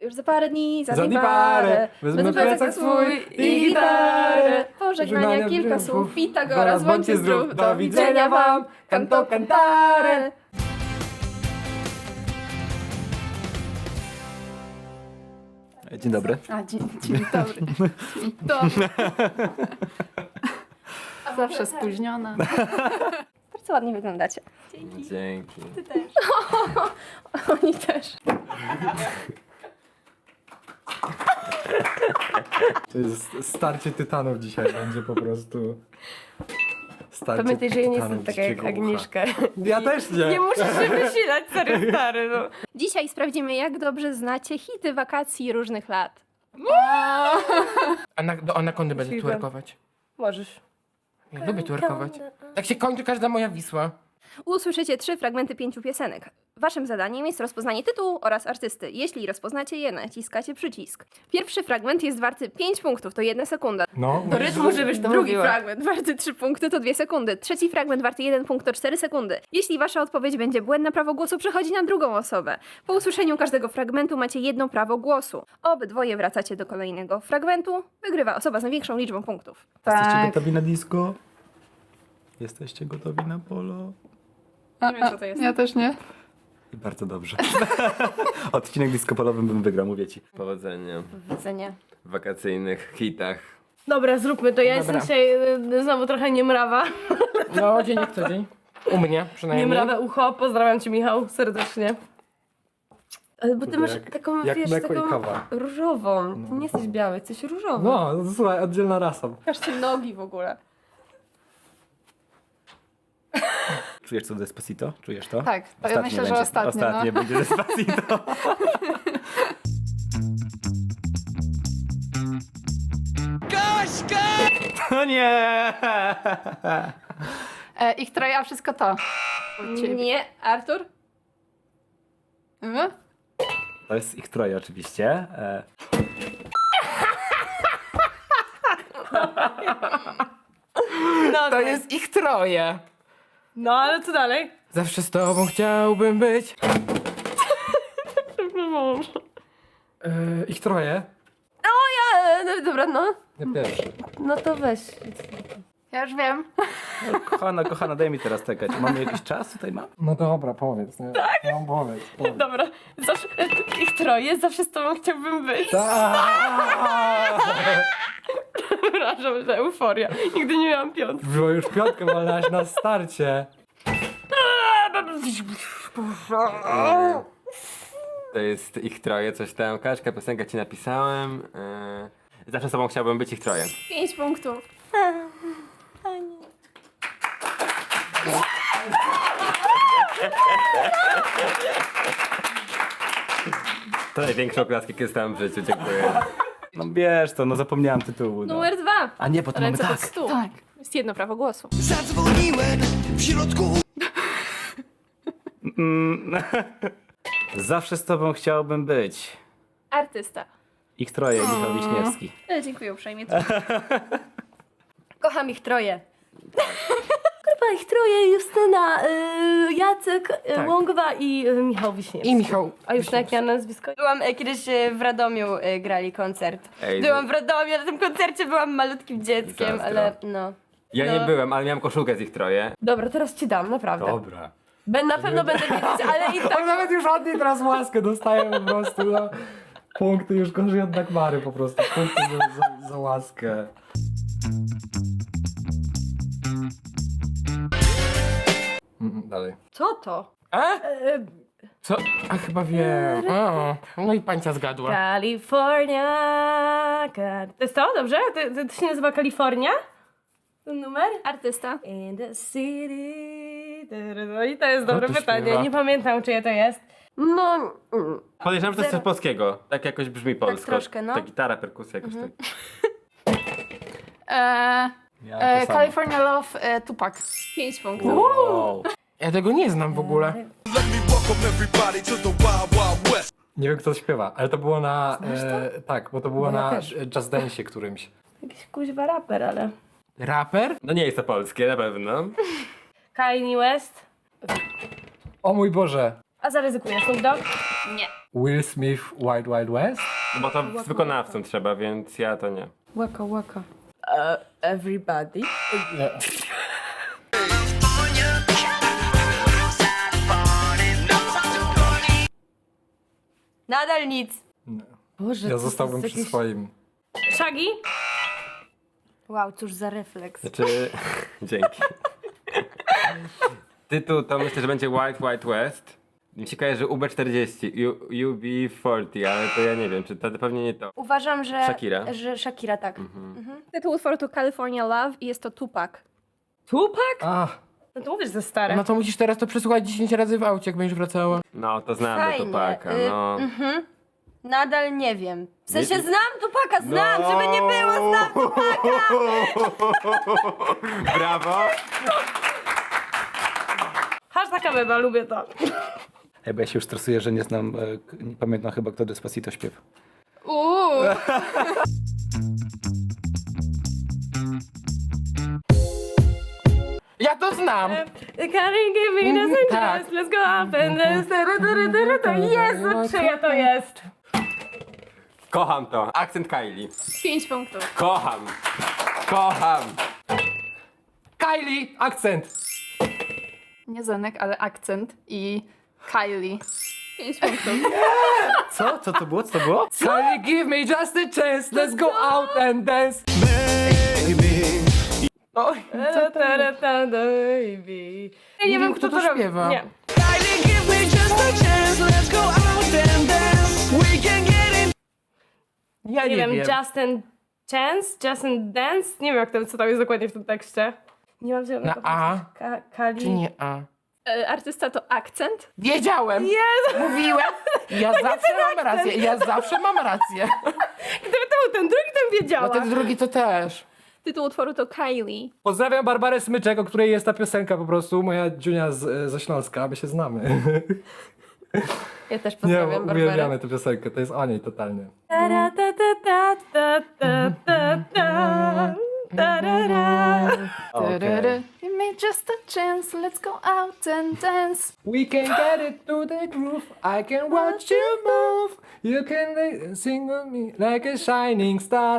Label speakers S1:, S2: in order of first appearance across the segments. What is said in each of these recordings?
S1: Już za parę dni, za
S2: dni
S1: parę,
S2: wezmę plecak swój i gitarę.
S1: Pożegnania kilka słów, Pitagoras,
S2: bądźcie zdrów, do widzenia wam, canto cantare. Dzień dobry.
S3: A, dzień dobry. Dobry. Zawsze spóźniona.
S1: Bardzo ładnie wyglądacie.
S2: Dzięki.
S1: Ty też. Oni też.
S2: To jest starcie tytanów dzisiaj będzie po prostu. Starcie
S4: Pamiętaj, że ja nie
S2: tytanów
S4: jestem taka jak
S2: dzikiego ucha.
S4: Agnieszka.
S2: Ja też nie.
S4: Nie musisz się wysilać, serio stary, no.
S1: Dzisiaj sprawdzimy, jak dobrze znacie hity wakacji różnych lat.
S5: Do Anakondy będę
S4: Możliwe.
S5: twerkować.
S4: Możesz.
S5: Ja lubię twerkować. Tak się kończy każda moja Wisła.
S1: Usłyszycie 3 fragmenty 5 piosenek. Waszym zadaniem jest rozpoznanie tytułu oraz artysty. Jeśli rozpoznacie je, naciskacie przycisk. Pierwszy fragment jest warty 5 punktów, to 1 sekunda.
S2: No,
S4: Do rytmu, żebyś to
S1: Drugi
S4: mówiła.
S1: fragment warty 3 punkty, to 2 sekundy. Trzeci fragment warty 1 punkt, to 4 sekundy. Jeśli wasza odpowiedź będzie błędna, prawo głosu przechodzi na drugą osobę. Po usłyszeniu każdego fragmentu macie jedno prawo głosu. Obydwoje wracacie do kolejnego fragmentu. Wygrywa osoba z największą liczbą punktów.
S2: Jesteście
S3: Tak.
S2: gotowi na disco? Jesteście gotowi na polo?
S1: Nie wiem, co to jest.
S3: Ja też nie.
S2: I bardzo dobrze. Odcinek disco polowym bym wygrał, mówię ci.
S6: Powodzenia
S1: Widzenia.
S6: w wakacyjnych hitach.
S4: Dobra, zróbmy to. Ja
S5: Dobra.
S4: jestem dzisiaj znowu trochę niemrawa.
S5: No, dzień jak co dzień. U mnie przynajmniej.
S4: Niemrawe ucho. Pozdrawiam cię, Michał, serdecznie. Ale bo ty masz
S2: Jak-
S4: taką,
S2: jak
S4: wiesz,
S2: mleko i
S4: taką
S2: kawa.
S4: różową. Ty nie jesteś biały, jesteś różowy.
S2: No, słuchaj, oddzielna rasa.
S1: Pokażcie nogi w ogóle.
S2: Czujesz co Despacito? Czujesz to?
S3: Tak, to ja myślę, że ostatnie.
S2: Ostatnie
S3: No.
S2: będzie Despacito. No nie!
S3: Ich troje, a wszystko to.
S1: Nie, Artur?
S3: Mhm.
S2: To jest ich troje oczywiście.
S4: No,
S5: To jest ich troje.
S4: no ale co dalej?
S5: Zawsze z tobą chciałbym być.
S2: Ich troje?
S4: No, dobra, no.
S2: Ja pierwszy.
S4: No to weź.
S3: Ja już wiem.
S2: No, kochana, daj mi teraz czekać. Mamy jakiś czas tutaj mam? No dobra, powiedz. Nie? Tak? No powiedz.
S4: Dobra, zawsze, ich troje, zawsze z tobą chciałbym być. Przepraszam, że euforia. Nigdy nie miałam piątki.
S2: Było już piątkę walnałaś na starcie.
S6: To jest ich troje, coś tam. Kaczka, piosenkę ci napisałem. Zawsze z tobą chciałbym być ich troje.
S1: 5 punktów.
S6: To największy oklask, jaki dostałem w życiu, dziękuję.
S2: No wiesz to, no zapomniałem tytułu. No.
S1: Numer 2.
S2: A nie, bo to mamy
S1: Ręce pod
S2: tak.
S1: stół.
S3: Tak.
S1: Jest jedno prawo głosu.
S7: Zadzwoniłem w środku.
S2: Zawsze z tobą chciałbym być.
S1: Artysta.
S2: Ich troje, Michał Wiśniewski.
S1: Dziękuję uprzejmie.
S4: Kocham ich troje. Grupa ich troje, Justyna, Jacek,
S5: Tak.
S4: Łągwa i Michał Wiśniewski.
S5: I Michał.
S4: A już na jakie nazwisko? Byłam kiedyś w Radomiu, grali koncert.
S6: Ej,
S4: Byłam w Radomiu, na tym koncercie byłam malutkim dzieckiem,
S6: Zazdro.
S4: ale no.
S6: Ja nie byłem, ale miałem koszulkę z ich troje.
S4: Dobra, teraz ci dam, naprawdę.
S2: Dobra.
S4: Na pewno będę wiedzieć, ale i tak.
S2: On nawet już od niej teraz łaskę dostaje po prostu. No. Punkty już gorzej od Dagmary po prostu. Punkty za łaskę. Dalej.
S4: Co to?
S5: A? Co? A chyba wiem. O, no i pańca zgadła.
S4: California. To jest to? Dobrze? To się nazywa Kalifornia? Ten numer?
S1: Artysta.
S4: In the city. No i to jest dobre
S2: to
S4: pytanie.
S2: śpiewa?
S4: Nie pamiętam, czyje to jest. No.
S6: Podejrzewam, że to jest coś polskiego. Tak jakoś brzmi polsko.
S4: troszkę, no.
S6: Ta gitara, perkusja jakoś tak.
S2: Ja to samo.
S3: California Love, Tupac.
S1: 5 punktów.
S2: Wow.
S5: Ja tego nie znam w ogóle.
S2: Nie wiem kto to śpiewa, ale to było na... tak, bo to było
S4: Bo ja
S2: na
S4: też.
S2: Just Dance'ie którymś.
S4: Jakiś kuźwa raper, ale...
S5: Raper?
S6: No nie jest to polskie, na pewno.
S4: Kanye West.
S2: O mój Boże.
S4: A zaryzykuję, Snoop Dogg?
S1: Nie.
S2: Will Smith, Wild Wild West?
S6: Bo to z wykonawcą trzeba, więc ja to nie.
S4: Łaka, łaka. Everybody.
S2: Nie.
S4: Nadal nic. Boże,
S2: Ja
S4: co
S2: zostałbym
S4: to jest
S2: przy
S4: jakieś-
S2: swoim.
S4: Shaggy? Wow, cóż za refleks.
S6: Znaczy, dzięki. Tytuł to myślę, że będzie Wild West. Mi się kojarzy UB40, UB40, ale to ja nie wiem, czy to pewnie nie to.
S4: Uważam, że...
S6: Shakira.
S4: Że Shakira, tak.
S1: Tytuł utworu to California Love i jest to Tupac.
S4: Tupac?
S2: Ach,
S4: No to mówisz, że stare.
S5: No to musisz teraz to przesłuchać 10 razy w aucie, jak będziesz wracała.
S6: No, to znamy
S4: Fajnie,
S6: Tupaca, no.
S4: Nadal nie wiem. W sensie
S6: Nie-
S4: znam Tupaca, znam,
S6: No.
S4: żeby nie było, znam
S6: Brawo!
S4: Hashtag Ameba, lubię to.
S2: Ej, bo ja się już stresuję, że nie znam, nie pamiętam chyba, kto Despacito śpiewa.
S5: Ja to znam!
S4: Karin, give me the
S5: tak.
S4: chance, let's go up and dance. To Jezu, czyja to jest?
S6: Kocham to. Akcent Kylie.
S1: 5 punktów.
S6: Kocham. Kocham.
S2: Kylie! Akcent!
S3: Nie Zenek, ale akcent i Kylie.
S1: 5 punktów.
S2: Co? Co to było? Co to było? Kylie, give me just a chance, let's go out and dance!
S5: Oj,
S4: Baby. Ja nie wiem, kto to robi.
S5: śpiewa.
S4: Nie.
S5: Ja
S4: Nie wiem, Justin Chance, Justin Dance. Nie wiem, jak to, co tam jest dokładnie w tym tekście. Nie mam zielonego.
S5: Na A
S4: Kali.
S5: czy nie A?
S1: Artysta to Akcent.
S5: Wiedziałem! Mówiłem! Ja zawsze mam rację, ja zawsze mam rację.
S4: Gdyby to był ten drugi, to wiedziała.
S5: No ten drugi to też.
S1: Tytuł utworu to Kylie.
S2: Pozdrawiam Barbarę Smyczek, o której jest ta piosenka po prostu, moja dziunia ze Śląska, my się znamy.
S4: Ja też
S2: Nie,
S4: pozdrawiam Barbarę.
S2: uwielbiamy tę piosenkę, to jest o niej totalnie.
S3: Tyryry. Give me just a chance, let's go out and dance.
S2: We can get it to the groove, I can watch you move. You can sing with me like a shining star.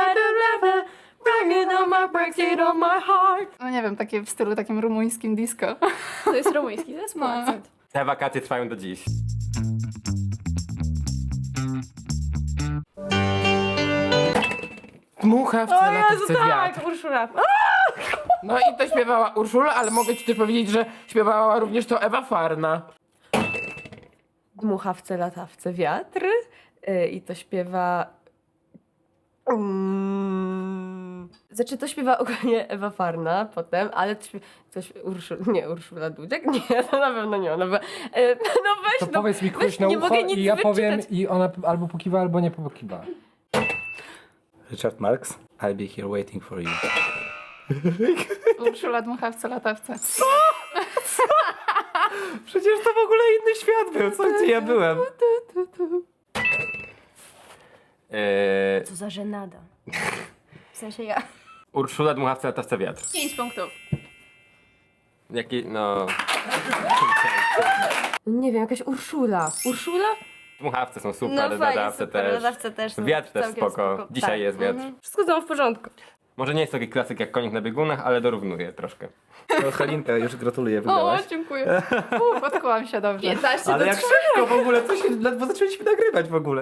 S3: No nie wiem, takie w stylu takim rumuńskim disco.
S1: To jest rumuński zespół
S3: No.
S1: Akcent.
S6: Te wakacje trwają do dziś.
S5: Dmucha w
S4: O
S5: latawce
S4: Jezu,
S5: wiatr.
S4: tak, Urszula.
S5: No i to śpiewała Urszula, ale mogę ci też powiedzieć, że śpiewała również to Ewa Farna.
S4: Dmuchawce, latawce, wiatr. I to śpiewa... Znaczy to śpiewa ogólnie Ewa Farna potem, ale Urszula Dudziak? Nie, to na pewno nie ona. No weź,
S2: To
S4: no,
S2: powiedz mi
S4: weź,
S2: ktoś na
S4: nie
S2: ucho
S4: mogę nic
S2: i ja powiem
S4: wyczytać.
S2: i ona albo pokiwa, albo nie pokiwa. Richard Marx, I'll be here waiting for you.
S3: Urszula dmuchawce, latawce.
S2: Przecież to w ogóle inny świat był, co gdzie ja byłem?
S4: Co za żenada. W sensie ja.
S6: Urszula Dmuchawca, latawca wiatr.
S1: 5 punktów.
S6: Jaki, no...
S4: Nie wiem, jakaś Urszula. Urszula?
S6: Dmuchawce są
S4: No
S6: super,
S4: fajnie,
S6: ladawce
S4: super,
S6: też.
S4: ladawce też są
S6: Wiatr też
S4: całkiem
S6: spoko. Dzisiaj
S4: Tak.
S6: jest wiatr.
S4: Wszystko znowu w porządku.
S6: Może nie jest taki klasyk jak Konik na biegunach, ale dorównuje troszkę.
S2: No Halinka, już gratuluję,
S3: O,
S2: wygrałaś.
S3: dziękuję. Podkułam się dobrze.
S1: 15
S2: Ale
S1: do
S2: jak
S1: 3.
S2: szybko w ogóle, co się, ledwo zaczęliśmy nagrywać w ogóle.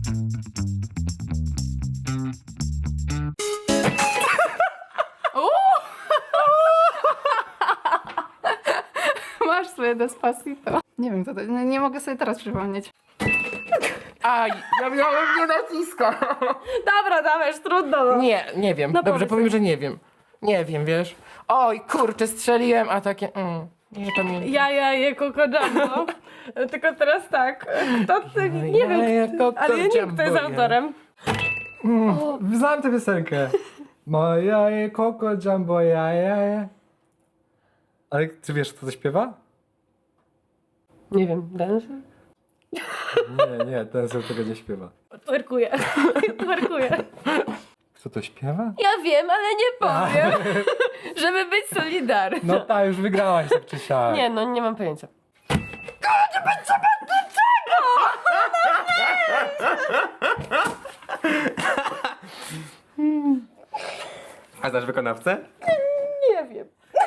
S3: Masz swoje Despacito. Nie wiem, co to nie mogę sobie teraz przypomnieć.
S5: Aj, ja miałem nie naciska.
S4: Dobra, dawaj, trudno. No.
S5: Nie wiem.
S4: No
S5: Dobrze,
S4: powiedz.
S5: powiem, że nie wiem. Nie wiem, wiesz. Oj, kurczę, strzeliłem, a takie... nie pamiętam.
S4: Ja je Coco Jumbo. Tylko teraz tak. Kto ty, nie wiem,
S5: Coco
S4: ale ja nie wiem, kto jest
S5: Jumbo,
S4: autorem.
S2: Znam tę piosenkę. Moja je Coco Jumbo, ja. Ale ty wiesz, kto to śpiewa?
S4: Nie wiem, dance?
S2: Nie, ten sobie tego nie śpiewa.
S4: Twerkuję. Twerkuję.
S2: Kto to śpiewa?
S4: Ja wiem, ale nie powiem. Żeby być solidarny.
S2: No ta, już wygrałaś tak czy siak.
S4: Nie, no nie mam pojęcia.
S6: A znasz wykonawcę?
S4: Nie wiem.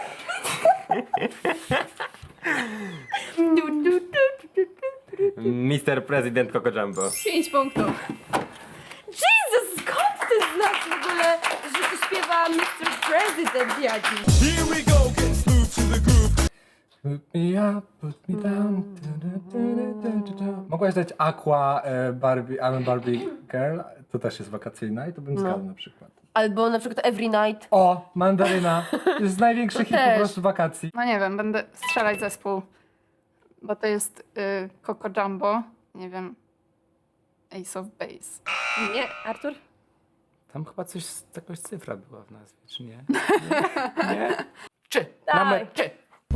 S6: Mr. President Coco Jumbo.
S1: 5 punktów.
S4: Jesus, skąd ty znasz w ogóle, że tu śpiewa Mr. President jakiś?
S7: Here we go, get smooth to the groove.
S2: Put me up, put me down. Mogłaś dać Aqua Barbie, I'm a Barbie Girl. To też jest wakacyjna i to bym zgadł na przykład.
S4: Albo na przykład Every Night.
S2: O, Mandaryna. To jest największy hit po
S3: też.
S2: prostu wakacji.
S3: No nie wiem, będę strzelać zespół, bo to jest Coco Jumbo, nie wiem, Ace of Base.
S1: Nie, Artur?
S2: Tam chyba coś, jakaś cyfra była w nazwie, czy nie?
S5: Czy?
S4: Daj.
S5: Czy?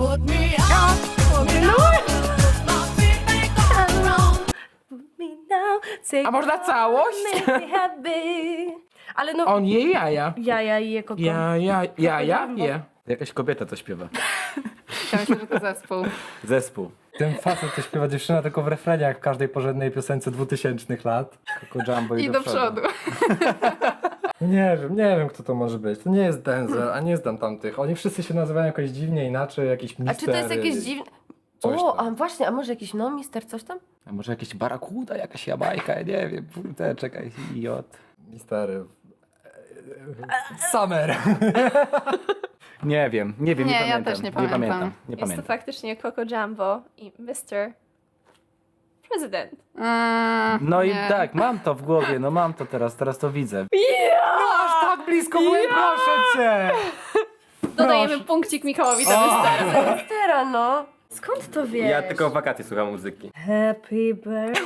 S5: A można całość?
S4: Ale no,
S5: On je jaja.
S4: jaja i je koko.
S5: Jaja je.
S6: Jakaś kobieta to śpiewa.
S3: Ja myślę, że to zespół.
S6: Zespół.
S2: Ten facet to śpiewa dziewczyna tylko w refrenie, jak w każdej porządnej piosence 2000 lat.
S6: Coco Jumbo
S3: I do przodu.
S2: Nie wiem kto to może być. To nie jest Denzel, a nie znam tamtych. Oni wszyscy się nazywają jakoś dziwnie inaczej, jakiś
S4: A
S2: mister.
S4: czy to jest jakieś dziwne...
S2: Coś
S4: O,
S2: tam.
S4: a właśnie, a może jakiś no mister coś tam?
S6: A może jakieś barakuda, jakaś jamajka, ja nie wiem. Czekaj, J.
S2: Mistery. Summer.
S8: Nie wiem, nie
S3: Nie, ja
S8: pamiętam.
S3: też nie pamiętam.
S8: Nie
S1: Jest to
S8: pamiętam.
S1: faktycznie Coco Jumbo i Mr. President.
S8: No i
S3: nie.
S8: tak, mam to w głowie, no mam to teraz to widzę.
S2: Aż tak blisko byłem, proszę cię!
S1: Dodajemy punkcik Michałowi za Mr.
S4: Mistera, no. Skąd to wiesz?
S6: Ja tylko w wakacje słucham muzyki.
S4: Happy birthday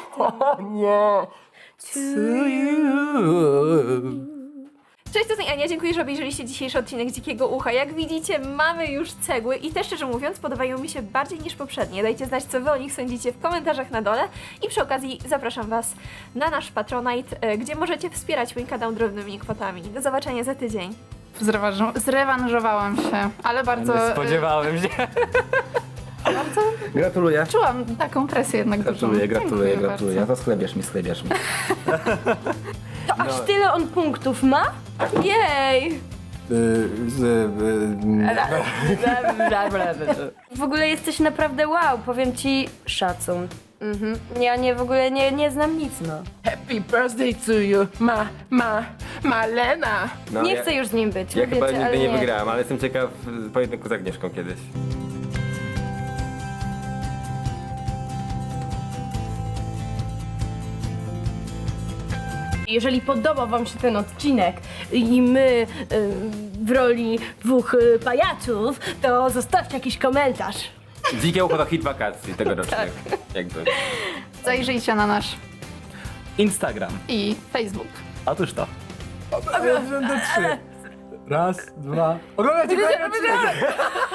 S4: to
S1: Cześć, tutaj Ania, dziękuję, że obejrzeliście dzisiejszy odcinek Dzikiego Ucha. Jak widzicie, mamy już cegły i te, szczerze mówiąc, podobają mi się bardziej niż poprzednie. Dajcie znać, co wy o nich sądzicie w komentarzach na dole i przy okazji zapraszam was na nasz Patronite, gdzie możecie wspierać mój kanał drobnymi kwotami. Do zobaczenia za tydzień.
S3: Zrewanżowałam się, ale bardzo
S8: Nie spodziewałem się. Gratuluję.
S3: czułam taką presję jednak dużą. Dziękuję bardzo.
S8: No to schlebiasz mi.
S4: To aż tyle on punktów ma? Jej! W ogóle jesteś naprawdę wow, powiem ci szacun. Ja w ogóle nie znam nic, no.
S5: Happy birthday to you, Malena.
S6: No,
S4: Nie
S6: ja,
S4: chcę już z nim być,
S6: Ja
S4: mówię
S6: chyba
S4: ci,
S6: nigdy
S4: ale
S6: nie wygrałem, ale jestem ciekaw pojedynku z Agnieszką kiedyś.
S4: Jeżeli podobał wam się ten odcinek i my w roli dwóch pajaców, to zostawcie jakiś komentarz.
S6: Dzikie Ucho to hit wakacji tegorocznych.
S4: Tak.
S6: Jakby.
S3: Zajrzyjcie na nasz
S8: Instagram.
S3: i Facebook.
S8: Otóż to.
S2: Raz, dwa. Oglądajcie kolejny odcinek.